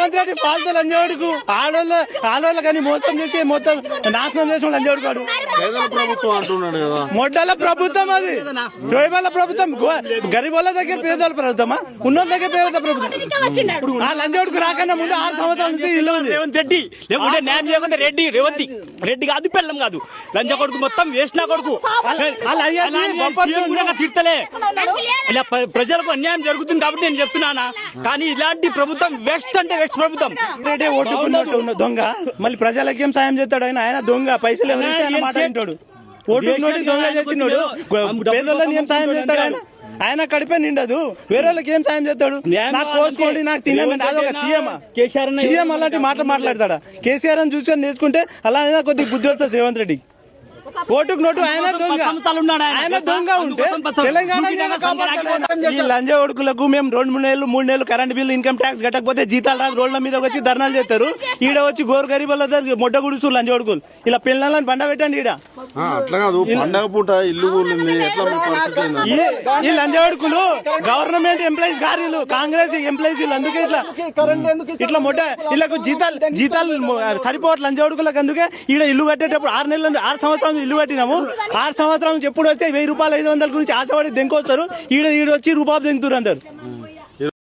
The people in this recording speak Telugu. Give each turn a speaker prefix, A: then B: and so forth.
A: రేవంత్ రెడ్డి ఫాల్తు లంజోడుకు ఆడవాళ్ళ కానీ మోసం చేసి మొత్తం నాశనం చేసిన లంజోడుకాడు. మొడ్డల ప్రభుత్వం అది, పేదల ప్రభుత్వం. గరీబోళ్ళ దగ్గర పేదల ప్రభుత్వమా, ఉన్నోళ్ళ దగ్గర పేదల ప్రభుత్వం. ఆ లంజోడుకు రాకన్నా ముందు 6 సంవత్సరాల నుంచి ఇల్లు ఉంది.
B: రేవంత్ రెడ్డి లేకుంటే న్యాయం చేయకుండా రెడ్డి కాదు, పెళ్ళం కాదు, లంజ కొడుకు మొత్తం వేసిన కొడుకు. తీర్తలే ఇలా ప్రజలకు అన్యాయం జరుగుతుంది కాబట్టి నేను చెప్తున్నానా. కానీ ఇలాంటి ప్రభుత్వం వెస్ట్ అంటే వెస్ట్ ప్రభుత్వం.
A: ఓటుకున్నట్టు ఉన్న దొంగ మళ్ళీ ప్రజలకు ఏం సాయం చేస్తాడు? ఆయన దొంగ, పైసలు ఎవరైతే ఆయన మాట వింటాడు. ఓటుకున్నోటి దొంగ చేసినోడు పేదోళ్ళని ఏం సాయం చేస్తాడు? ఆయన కడిపే నిండదు, వేరే వాళ్ళకి ఏం సాయం చేస్తాడు? నాకు కోసుకోండి, నాకు తినండి. అదొక సీఎం అలాంటి మాటలు మాట్లాడతాడా? కేసీఆర్ అని చూసుకొని నేర్చుకుంటే అలా కొద్దిగా బుద్ధి వస్తుంది రేవంత్ రెడ్డి. ఓటుకు నోటు ఆయన దొంగ ఉంటే తెలంగాణ ఈ లంజ ఓడుకులకు మేము 2-3 నెలలు కరెంట్ బిల్లు ఇన్కమ్ ట్యాక్స్ కట్టకపోతే జీతాలు రాదు, రోడ్ల మీద వచ్చి ధర్నాలు చేస్తారు. ఈడ వచ్చి గోరు గరీబుల మొడ్డ గుడుసు లంజ ఓడుకులు ఇలా పిల్లలని బండ పెట్టండి. ఈడ ఈ లంజ ఓడుకులు గవర్నమెంట్ ఎంప్లాయీస్ గారు, కాంగ్రెస్ ఎంప్లాయీస్, అందుకే ఇట్లా మొడ్డ వీళ్ళకు జీతాలు సరిపోవట్లేదు లంజ ఓడుకులకు. అందుకే ఈడ ఇల్లు కట్టేటప్పుడు 6 సంవత్సరాలు ఇల్లు కట్టినాము. 6 సంవత్సరాల నుంచి ఎప్పుడు వస్తే 1000 రూపాయలు 500 గురించి ఆశపడి దెంకొస్తారు. ఈడ వచ్చి రూపాయలు దెంకుతారు అందరు.